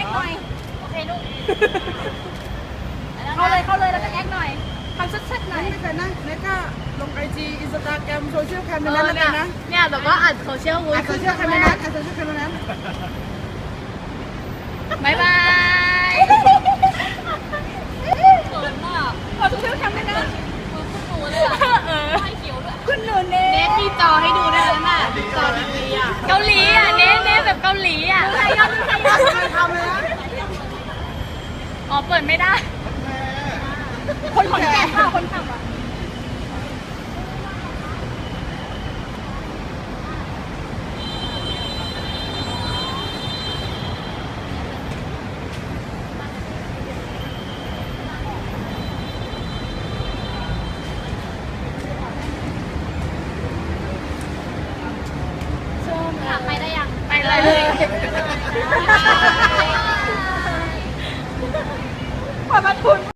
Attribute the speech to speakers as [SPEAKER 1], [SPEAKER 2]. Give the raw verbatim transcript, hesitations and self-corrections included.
[SPEAKER 1] กหน่อยโอเคลูกเข้าเลยเข้าเลยแล้วก็แอคหน่อยทำชัดๆหน่อย
[SPEAKER 2] ไม่เคยนะเนก็ลงไอจีอินสตาแกรมโซเชียลแคมในนั้นแล้วกันนะ
[SPEAKER 1] เนี่ยแต่ก็อัดโซเชียลวูด
[SPEAKER 2] อัดโซเชียลแคมในนั้นอัดโซเชียลแคมในนั้น
[SPEAKER 1] บายบายเขินมากเอาโซเชียลแคมในนั้นคุณหนูเลยอ่ะเออให้เขียวด้วยคุณหนูเนทมีจอให้ดูได้แล้วน่ะจอทีวีอ่ะเกาหลีอ่ะเนทเนทแบบเกาหลีอ่ะใครยอดใครยอดทำเลยอ๋อเปิดไม่ได้คนขอนแก่นค่ะคนขับอ่ะไปได้ยังไปเลยขอบคุณ